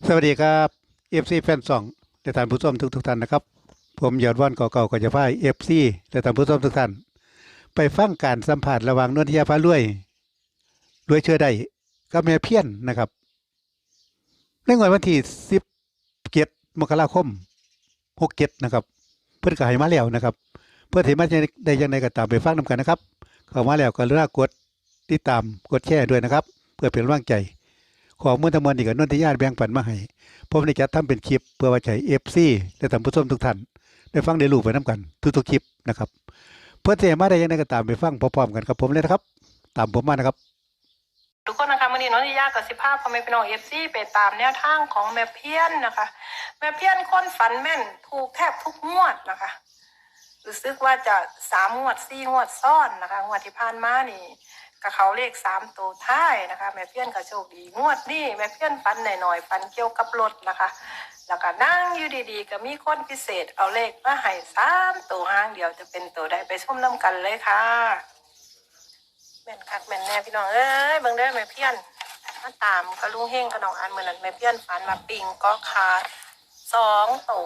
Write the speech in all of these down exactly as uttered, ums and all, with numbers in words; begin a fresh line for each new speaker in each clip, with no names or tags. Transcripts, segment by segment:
สวัสดีครับเอฟซีแฟนสองและท่านผู้ชมทุกทุกท่านนะครับผมยอดว่านเก่าๆก็จะพายเอฟซีและท่านผู้ชมทุกท่านไปฟังการสัมผัสระหว่างนนทิยาฟ้ารวยรวยเชื่อได้กับแม่เพี้ยนนะครับในงวดวันที่สิบเจ็ดมกราคมหกเจ็ดนะครับเพื่อนก็ให้มาแล้วนะครับเพื่อที่มาได้ยังไงก็ตามไปฟังนำกันนะครับเข้ามาแล้วก็เลือกกดติดตามกดแชร์ด้วยนะครับเพื่อเป็นกำลังใจขอมือทั้งมวลอีกกับนนทิยาแบ่งปันมาให้ผมได้จัดทำเป็นคลิปเพื่อไว้ใช้เอฟซีและท่านผู้ชมทุกท่านได้ฟังได้รู้ไปน้ำกันทุกๆคลิปนะครับเพื่อที่จะมาได้ยังไงก็ตามไปฟังพร้อมๆกันครับผมเลยนะครับตามผมมานะครับ
ทุกคนนะคะวันนี้น้องทิยากับสิภาพพ่อแม่พี่น้องเอฟซีไปตามแนวทางของแม่เพี้ยนนะคะแม่เพี้ยนคนฝันแม่นถูกแทบทุกงวดนะคะรู้สึกว่าจะสามงวดสี่งวดซ้อนนะคะงวดที่ผ่านมานี่กับเขาเลขสามตัวท้ายนะคะแม่เพี้ยนก็โชคดีงวดนี่แม่เพี้ยนฝันหน่อยๆฝันเกี่ยวกับรถนะคะแล้วก็นั่งอยู่ดีๆก็มีคนพิเศษเอาเลขมาให้สามตัวห้างเดียวจะเป็นตัวใดไปชมน้ำกันเลยค่ะแม่นคักแม่นแน่พี่น้องเอ้ยเบิ่งเด้อแม่เพี้ยนมาตามกระลุงเฮงกระนองอันเหมือนนั้นแม่เพี้ยนฝันมาปิงก็ขาดสองตัว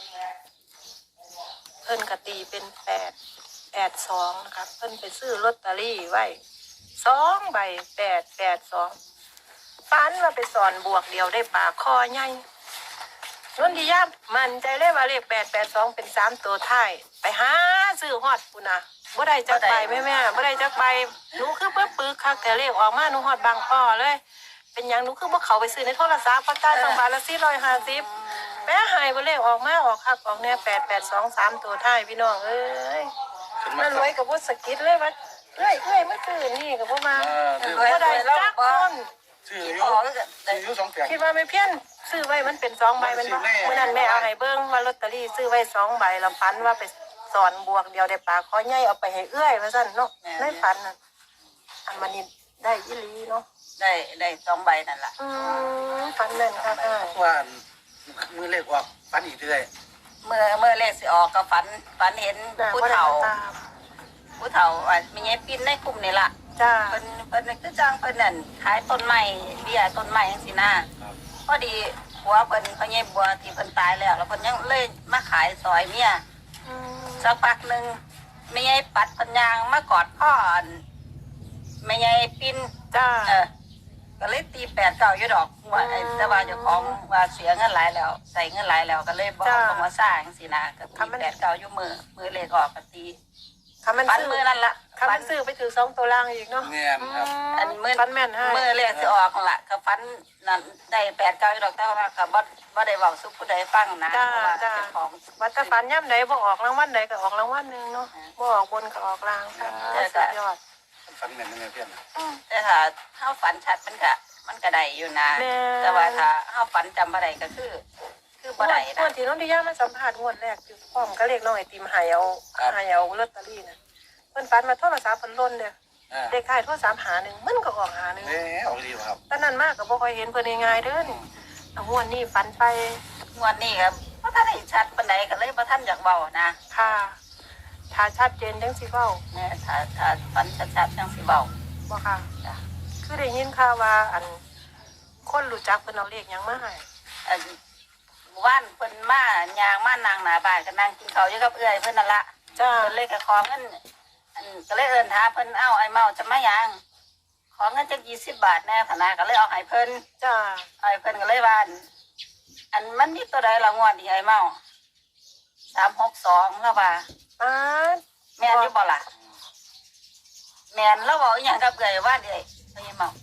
เพิ่นกะตีเป็นแปดแปดสองนะคะเพิ่นไปซื้อลอตเตอรี่ไว้สองใบแปดแปดสองฝันว่าไปสอนบวกเดียวได้ปลาคอใหญ่นนทิยามันใจเลยว่าเลขแปดแปดสองเป็นสามตัวท้ายไปหาซื้อฮอดปุ่นนะบ่ได้จักใบแม่แม่บ่ได้จักใบหนูคือเปิ้ลปึกคักแต่เลขออกมาหนูฮอดบางพ่อเลย เป็นยังหนูคือบ่เขาไปซื้อในโทรศัพท์เพราะจ่ายสองบาทละสี่ร้อยห้าสิบแม่หายบ่เลขออกมาออกคักออกแน่แปดแปดสองสามตัวท้ายพี่น้องเอ้ยมันรวยกับบ่สกิดเลยว่าเอ้ยเอ้ยมันซื้อนี่ก็บ่มาบ่ได้จักคน
ซื้ออยู่ซื้ออยู่สองแผง
คิดว่าไม่เพี้ยนซื้อไว้มันเป็นสองใบมันบ่เมื่อนั้นแม่เอาให้เบิ่งว่าลอตเตอรี่ซื้อไว้สองใบแล้วฝันว่าไปสอนบวกเดียวได้ปลาคอใหญ่เอาไปให้เอื้อยว่าซั่นเนาะในฝันน่ะอันมันนี่ได้อีหลีเนาะ
ได้ได้สองใบนั่นแหละ
อืมฝันแม่นค่ะค่ะ
ว่ามือเลขออกฟันอีกเรื่อย
เมื่อเมื่อเลขสิออกก็ฝันฝันเห็นผู้เฒ่าผู้เฒ่าอ่ะมีไงปิ้นในกลุ่มนี่ล่ะ
จ้า
เพิ่นเพิ่นคือจ้างเพิ่นนั่นขายต้นไม้เบี้ยต้นไม้จังซี่นะพอดีผัวเพิ่นพ่อใหญ่บัวที่เพิ่นตายแล้วแล้วเพิ่นยังเลยมาขายซอยเมียสักพักนึงมีไงปัดเพิ่นยางมากอดพ่อไม่ไงปิ้น
จ้า
เออก็เลยตีแปดเก้าอยู่ดอกว่าแต่ว่าเจ้าของว่าเสียเงินหลายแล้วใส่เงินหลายแล้วก็เลยบอกต้องมาสร้างสินะก็ตีแปดเก้าอยู่มือมือเลขออกก็ตี
คำมัน
ฟัน
ซื้อ
มือนั่นละ
คำมันซื้อไปถือสองตัวล่างอีกเนาะ
เงี้ยครับ
อันมือ
ฟันแม่นให้
มือเลขสิออกละก็ฟันนั่นได้แปดเก้าอยู่ดอกแต่ว่าก็บ่บ่ได้บอกสุผู้ใดฟังนะเพราะว่าเจ้าของ
วัดตะฟันย่ำใดบ่ออกรางวัลใดก็ออกรางวัลหนึ่งเนาะบ่ออกบนก็ออกล่างค่ะสุดยอด
ฟันแม่นยังไงเพื่อน
แต่ถ้าเฮาฝันชัดมันก็มันก็ได้อยู่นะแต่ว่าถ้าเฮาฝันจำบ่ได้ก็คือคือบ่ได้นะ
งวดที่น้องดิยามาสัมภาษณ์งวดแรกอยู่พร้อมก็เลขน้องไอติมหายเอาหายเอาลอตเตอรี่น่ะเพิ่นฝันมาโทรศัพท์เพิ่นล่นเด้อเด็กขายโทรศัพท์หาหนึ่งมันก็ออกหาหนึ่ง
เอ๊ะเอาดีครับ
ตอนนั้นมากก็บ่ค่อยเห็นเพิ่นง่ายๆเด้อนี่เอางวดนี้ฝันไป
งวดนี้ครับบ่ทันได้ชัดปานใดก็เลยบ่ทันอยากเว้านะ
ค่ะถ้าชัดเจนจังสิเว้า
แม่ถ้าถ้าฝันชัดๆจังสิเว้า
บ่ค่ะคือได้ยินข่าวว่าอันคนรู้จักเพิ่นเอาเลขหยังมาให้
อันว่านเพิ่นมายางมานางหน้าบ้านก็นั่งกินข้าวอยู่กับเอื้อยเพิ่นนั่นล่ะ
จ้า
เพิ่นเลยก็ขอเงินอันก็เลยเอิ้นหาเพิ่นเอ้าไอ้เมาจะมายางขอเงินจักยี่สิบบาทแน่พะนะก็เลยเอาให้เพิ่น
จ้า
ไอ้เพิ่นก็เลยว่าอันมันมีตัวใดละงวดนี่ไอ้เมาสามหกสองแล้วว่า
อ้า
แม่นอยู่บ่ล่ะแม่นแล้วเว้าอีหยังกับเอื้อยว่าเด้ไอ้เมา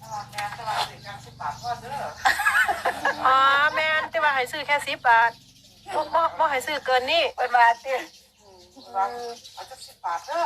อ๋อแม่นแต่ว่าให้ซื้อแค่สิบบาทบ่บ่บ่ให้ซื้อเกินนี้
เพิ่นว่าติ
เอาจักสิบบาทเด้อ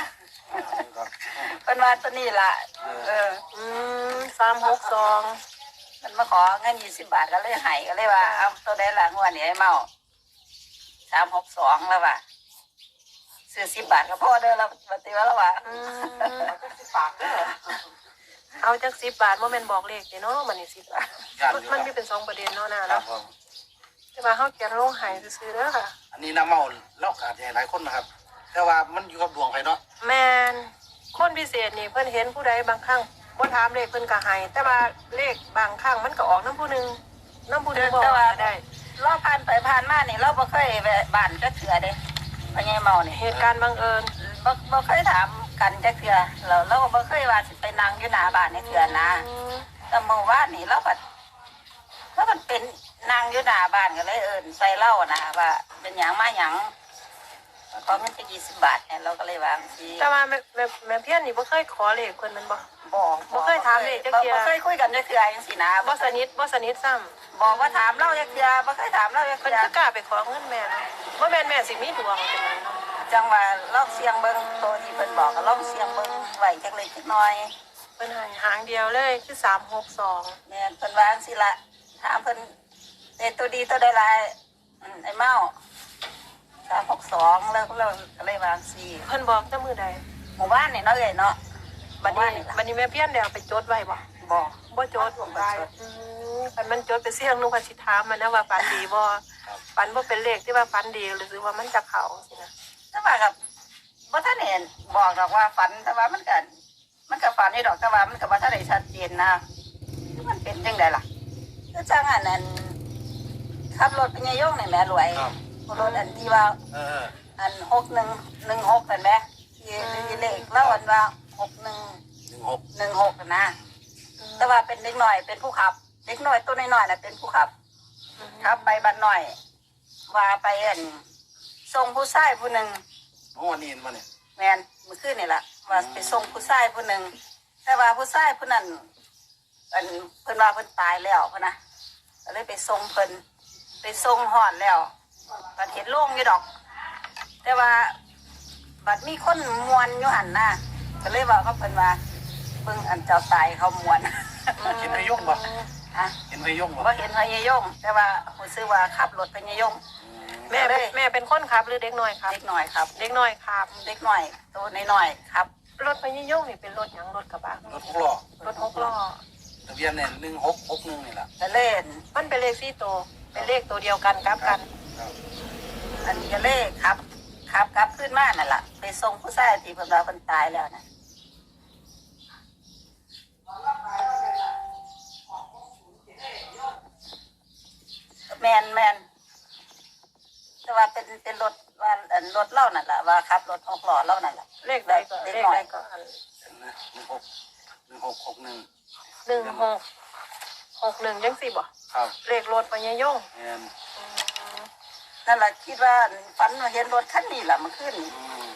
เพิ่นว่าตัวนี้ล่ะเออ
อืมสามหกสอง
มันมาขอเงินยี่สิบบาทก็เลยให้ก็เลยว่าเอาตัวใดละงวดนี้ไอ้เมาสามหกสองแล้วว่าซื้อสิบบาทก็พอเด้อแล้วปฏิวัติแล้วว่า
เอาจักสิบบาทเด้อเอาจักสิบบาทว่าแม่นบอกเลขเนาะมันนี่สิบบาทมันมีเป็นสองประเด็นเนาะนะเนาะแต่ว่าเขาเขียนลงหายซื้อเด้อค่ะ
อันนี้น้ำเมาเล่าขาดหลายคนนะครับแต่ว่ามันอยู่กับดวงไฟเนาะ
แมนคนพิเศษนี่เพิ่นเห็นผู้ใดบางครั้งบ่ถามเลขเพิ่นก็ให้แต่ว่าเลขบางครั้งมันก็ออกน้ำผู้นึงน้ำบุญบอก
แต่ว่า
ได้
เราผ่านไปผ่านมานี่เราบ่เคยแวะบ้านจักเทื่อเด้พ่อใหญ่เมานี่
เหตุการณ์บังเอิญ
บ่บ่เคยถามกันจักเทื่อเราเราก็บ่เคยว่าสิไปนั่งอยู่หน้าบ้านในเทื่อนะแต่เมื่อวานนี่เราก็แล้วมันเป็นนั่งอยู่หน้าบ้านก็เลยเอิ้นใส่เล่านะว่าเป็นหยังมาหยังขอเงินจะยี่สิบบาทเนี่ยเราก็เลยวางสิ
แต่ว่าแม่แม่แม่เพี้ยนนี่บ่เคยขอเลขคนมันบ่
บอก
บ่เคยถามเลยจักเทื่อ
บ่เคยคุยกันจักเทื่อจังซี่นะ
บ่สนิทบ่สนิทซ้ำ
บอกว่าถามเราจักเทื่อบ่เคยถามเราจัก
เพิ่น
เทื่อ
คือกล้าไปขอเงินแม่เนาะบ่แม่นแม่สิมีดวงจังไดเนาะ
จังว่าลองเสียงเบิ่งตัวที่เพิ่นบอกก็ลองเสียงเบิ่งไว้จักเล็กจักน้อย
เพิ่นให้หางเดียวเลยคือสามหกสอง
แม่นเพิ่นวาจังซี่ละถามเพิ่นได้ตัวดีตัวใดหลายอืมไอ้เมาสามหกสองแล้วเราก็เลยวางสิ
เพิ่นบอกแต่มื้อใด
หมู่บ้านนี่เนาะเอ้ยเนาะ
บัด
หมู่
นี้
บ้าล่ะ
บัดนี้แม่เพี้ยนได้เอาไปจดไว้บ่
บอก
บ่จดบ่ได้อืมคันมันจดไปเสี่ยงนึกว่าสิถามมันนะว่าฝันดีบ่ฝันบ่เป็นเลขที่ว่าฝันดีหรือว่ามันจะเข้าสินะ
แต่ว่ากับบ่ทันเห็นบอกดอกว่าฝันแต่ว่ามันก็มันก็ฝันนี่ดอกแต่ว่ามันก็บ่ทันได้ชัดเจนนะมันเป็นจังไดล่ะคือจังอันนั้นขับรถไปยายงนี่แหม่รวย
ครับ
รถอันที่ว่า
เออ
อันหกหนึ่งหนึ่งหกเห็นไหมที่ที่เลขเล่าอันว่าหกหนึ่ง
หนึ่งหก
หนึ่งหกนะแต่ว่าเป็นเด็กหน่อยเป็นผู้ขับ เด็กหน่อยตัวน้อยๆน่ะเป็นผู้ขับขับไปบ้านหน่อย ว่าไปเอ็นส่งผู้ชายผู้หนึ่ง
โอ้นี่มาเนี่ย
แมนเมื่อคืนนี่แหละว่าไปส่งผู้ชายผู้หนึ่งแต่ว่าผู้ชายผู้นั้นอันเพิ่นว่าเพิ่นตายแล้วพะนะก็เลยไปส่งเพิ่นไปส่งหอดแล้วบัดเห็นโล่งอยู่ดอก แต่ว่าบัดมีคนมวนอยู่หันหน้าก็เลยว่าเขาเพิ่นว่าเบิ่งอันเจ้าตายเขามวน
เห็นไปยุ่งบ่
ฮะ
เห็นไปยุ่งบ่
ว่าเห็นพญายงแต่ว่าผมซื้อว่าขับรถพญายง
แม่เป็นแม่เป็นคนขับหรือเด็กน้อยครับ
เด็กหน่อยครับ
เด็กน้อยขับ
เด็กหน่อยตัวน้อยๆครับ
รถพญายงนี่เป็นรถหยังรถกระบะ
รถหกล้อ
รถหกล้อ
ทะเบียนเนี่ยหนึ่งหกหกหนึ่งนี่แหละ
ก็เล่น
มันเป็นเลขสี่ตัวเป็นเลขตัวเดียวกันกลับกัน
ครับ
อันนี้ก็เล่ครับครับครับขึ้นมานั่นแหละไปส่งผู้ชายที่เพิ่นว่าเพิ่นตายแล้วนะแมนแมนแต่ว่าเป็นเป็นรถว่าอันรถเล่านั่นแหละว่าขับรถหกล้อเล่านั่นแหละ
เลขใดก็
เด็ก
เลข
หน่อ
ใด
ย
ก็อัน
เห็นไหมหนึ่งหกหนึ่งหกหกหนึ่ง
หนึ่งหกหกหนึ่งยังสิบ่
ครับ
เลขรถพญายง
แม่น
อืม
นั่นแหละคิดว่าฝันว่าเห็นรถคันนี้แหละมันขึ้น
อืม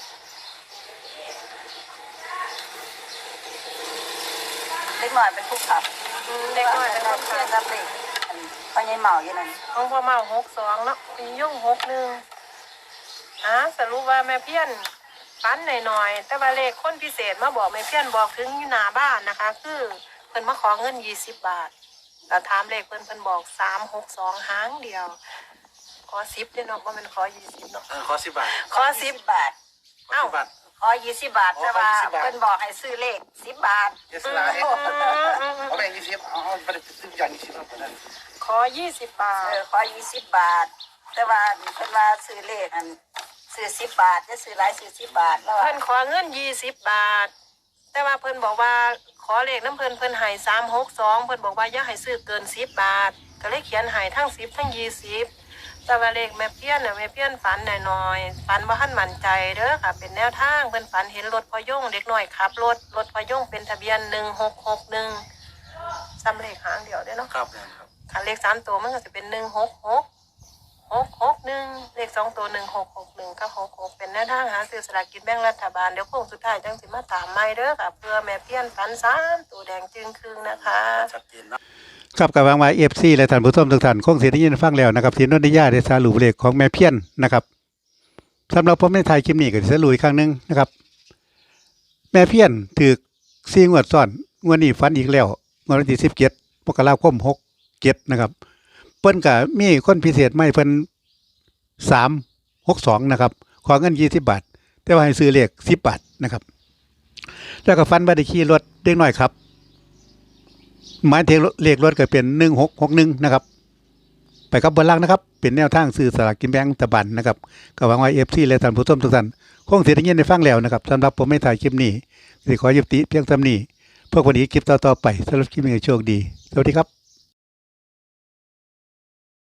เล็กหน่อยเป็นผู้ขับ
อืมเด็กน้อยเป็นคน
เชื่อ
ขั
รับ บเด็กพอใหญเมาอยู่นั่น
ของพ่อเมาหกสองเนาะพญายงหกหนึ่งอ่ะสรุปว่าแม่เพี้ยนฝันหน่อยๆแต่ว่าเลขคนพิเศษมาบอกแม่เพี้ยนบอกถึงอยู่หน้าบ้านนะคะ คือเพิ่นมาขอเงินยี่สิบบาทแต่ถามเลขเพิ่นเพิ่นบอกสามหกสองหางเดียว ขอสิบเด้อเนาะว่ามันขอยี่สิบเนาะ
เออขอสิบบาท
ขอสิบบาท
ขอสิบบาท
ขอยี่สิบบาท
อ๋อ
แต่ว่า
ขอยี่สิบบาท
เพิ่นบอกให้ซื้อเลขสิบบาท
เยสลาย
อืมอืมอืม
เอาแบ่งยี่สิบเอาเอาไปซื้ออย่างยี่สิบแล้วคนนั้น
ขอยี่สิบบาท
เออขอยี่สิบบาท แต่ว่าเพิ่นว่าซื้อเลขอันซื้อสิบบาทจะซื้อหลายซื้อสิบบาทแล้ว
เพิ่นขอเงินยี่สิบบาท แต่ว่าเพิ่นบอกว่าขอเลขน้ำเพิ่นเพิ่นให้สามหกสองเพิ่นบอกว่าอย่าให้ซื้อเกินสิบบาท ก็เลยเขียนให้ทั้งสิบทั้งยี่สิบแต่ว่าเลขแม่เพี้ยนน่ะแม่เพี้ยนฝันหน่อยๆฝันว่าท่านมั่นใจเด้อค่ะ เป็นแนวทางเพิ่นฝันเห็นรถพอยงเด็กน้อยขับรถรถพอยงเป็นทะเบียนหนึ่งหกหกหนึ่งซ้ำเลขหางเดียวเด้อเนาะ
ครับแม่นครับ
คันเลขสามตัวมันก็จะเป็นหนึ่งหกหกหกหกหนึ่งเลขสองตัวหนึ่งหกหกหนึ่งกับหกหกเป็นแนวทางหาซื้อสลากกินแบ่งรัฐบาลเดี๋ยวโค้งสุดท้ายจังสิมาตามใหม่เด้อค่ะเพื่อแม่เพี้ยนฝันสามตัวแดงจึงครึ่งนะคะ
ชัดเจนเนาะ
ครับกับวางไว้เอฟซีและท่านผู้ชมทุกท่านคงเสียได้ยินฟังแล้วนะครับที่นนทิยาได้สรุปเลขของแม่เพี้ยนนะครับสำหรับผมในไทยคลิปนี้ก็จะสรุปอีกครั้งหนึงนะครับ แม่เพี้ยนถือซีงวดซ้อนงวดนี้ฟันอีกแล้วงวดวันที่สิบเจ็ดมกราคมหกเจ็ดนะครับเพิ่นก็มีคนพิเศษไม่เพิ่นสามหกสองนะครับขอเงินยี่สิบบาท แต่ว่าให้ซื้อเลขสิบบาทนะครับ แล้วก็ฟันบัตรขี่รถเด็กน้อยครับ หมายถึงเลขรถก็เป็นหนึ่งหกหกหนึ่งนะครับ ไปกับบนล่างนะครับ เป็นแนวทางซื้อสลากกินแบ่งรัฐบาลนะครับก็หวังว่าเอฟซีและท่านผู้ชมทุกท่านคงเสียได้ยินได้ฟังแล้วนะครับสำหรับผมไม่ถ่ายคลิปนี้สิขอยุติเพียงเท่านี้พวกวันนี้คลิปต่อๆไปสำหรับคลิปนี้โชคดีสวัสดีครับ